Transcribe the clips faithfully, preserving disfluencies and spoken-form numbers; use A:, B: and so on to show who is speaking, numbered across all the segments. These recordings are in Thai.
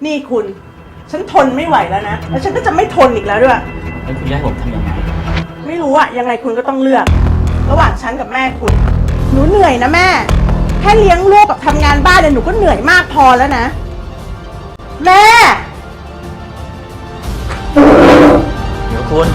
A: นี่คุณฉันทนไม่ไหวแล้วนะแล้วฉันก็จะไม่ทนอีกแล้วด้วย
B: แล้วคุณจะให้ผมทำยังไง
A: ไม่รู้อะยังไงคุณก็ต้องเลือกระหว่างฉันกับแม่คุณหนูเหนื่อยนะแม่แค่เลี้ยงลูกกับทำงานบ้านเนี่ยหนูก็เหนื่อยมากพอแล้วนะแม่
B: เดี๋ยวคุณ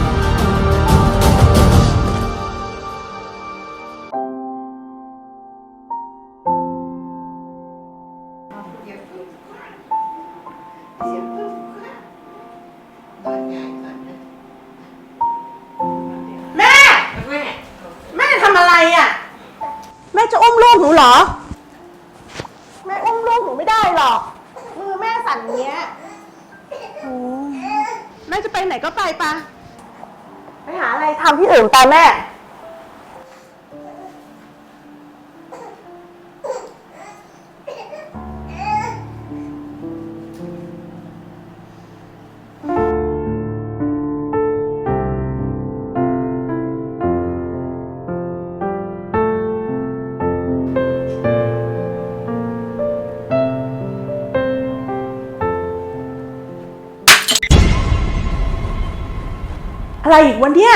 A: แม่แม่ทำอะไรอะแม่จะอุ้มลูกหนูเหรอแม่อุ้มลูกหนูไม่ได้หรอกมือแม่สั่นเงี้ยโอ้แม่จะไปไหนก็ไปปะไปหาอะไรทำที่อื่นไปแม่อะไรอีกวันเนี้ย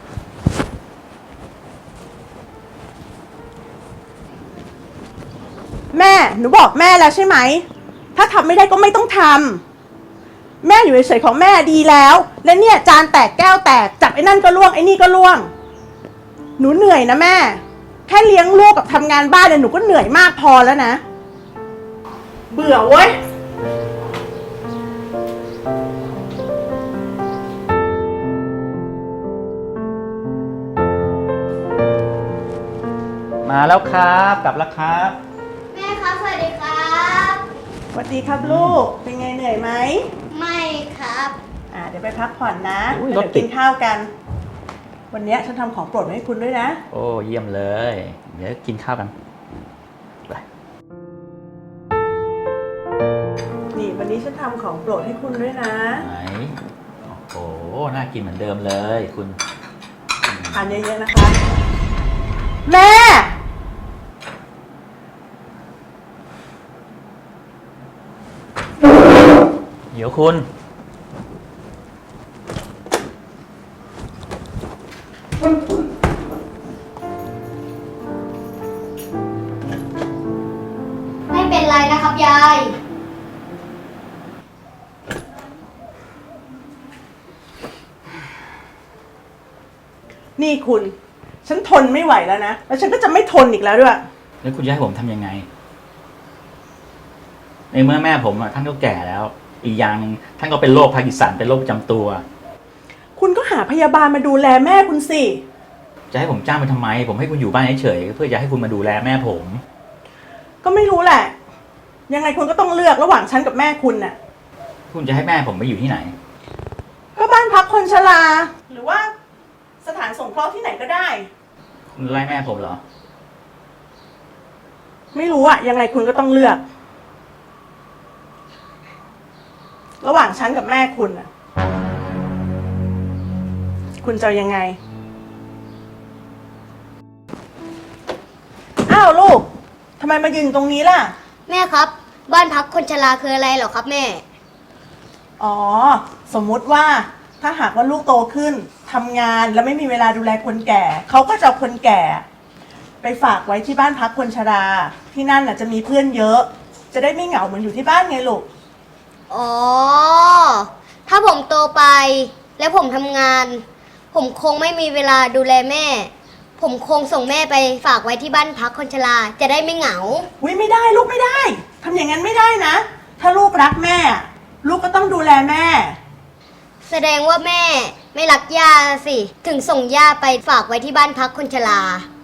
A: แม่หนูบอกแม่แล้วใช่ไหมถ้าทำไม่ได้ก็ไม่ต้องทำแม่อยู่เฉยๆของแม่ดีแล้วและเนี่ยจานแตกแก้วแตกจับไอ้นั่นก็ล่วงไอ้นี่ก็ล่วงหนูเหนื่อยนะแม่แค่เลี้ยงลูกกับทำงานบ้านเนี่ยหนูก็เหนื่อยมากพอแล้วนะเบื่อเว้ย
B: มาแล้วครับกลับแล้วครับ
C: แม่ครับสวัสดีครับ
A: สวัสดีครับลูกเป็นไงเหนื่อยไหม
C: ไม่ครับ
A: อ่าเดี๋ยวไปพักผ่อนนะเดี๋ยวกินข้าวกันวันนี้ฉันทำของโปรดมาให้คุณด้วยนะ
B: โอ้เยี่ยมเลยเดี๋ยวกินข้าวกันไป
A: นี่วันนี้ฉันทำของโปรดให้คุณด้วยนะ
B: ไหนโอ้โหน่ากินเหมือนเดิมเลยคุณ
A: ทานเยอะๆนะคะแม่
B: เดี๋ยวคุณ
C: ไม่เป็นไรนะครับยาย
A: นี่คุณฉันทนไม่ไหวแล้วนะแล้วฉันก็จะไม่ทนอีกแล้วด้วย
B: แล้วคุณจะให้ผมทำยังไงในเมื่อแม่ผมอ่ะท่านก็แก่แล้วอีกอย่างหนึ่งท่านก็เป็นโรคพาร์กินสันเป็นโรคประจำตัว
A: คุณก็หาพยาบาลมาดูแลแม่คุณสิ
B: จะให้ผมจ้างไปทำไมผมให้คุณอยู่บ้านเฉยๆเพื่อจะให้คุณมาดูแลแม่ผม
A: ก็ไม่รู้แหละยังไงคุณก็ต้องเลือกระหว่างฉันกับแม่คุณน่ะ
B: คุณจะให้แม่ผมไปอยู่ที่ไหน
A: ก็บ้านพักคนชราหรือว่าสถานสงเคราะห์ที่ไหนก็ได้
B: คุณไล่แม่ผมเหรอ
A: ไม่รู้อะยังไงคุณก็ต้องเลือกระหว่างฉันกับแม่คุณน่ะคุณจะยังไงอ้าวลูกทำไมมายืนตรงนี้ล่ะ
C: แม่ครับบ้านพักคนชราคืออะไรเหรอครับแม่
A: อ๋อสมมุติว่าถ้าหากว่าลูกโตขึ้นทำงานแล้วไม่มีเวลาดูแลคนแก่เขาก็จะเอาคนแก่ไปฝากไว้ที่บ้านพักคนชราที่นั่นน่ะจะมีเพื่อนเยอะจะได้ไม่เหงาเหมือนอยู่ที่บ้านไงลูก
C: อ๋อถ้าผมโตไปแล้วผมทำงานผมคงไม่มีเวลาดูแลแม่ผมคงส่งแม่ไปฝากไว้ที่บ้านพักคนชราจะได้ไม่เหงา
A: อุ๊ยไม่ได้ลูกไม่ได้ทำอย่างนั้นไม่ได้นะถ้าลูกรักแม่ลูกก็ต้องดูแลแม่
C: แสดงว่าแม่ไม่รักย่าสิถึงส่งย่าไปฝากไว้ที่บ้านพักคนชรา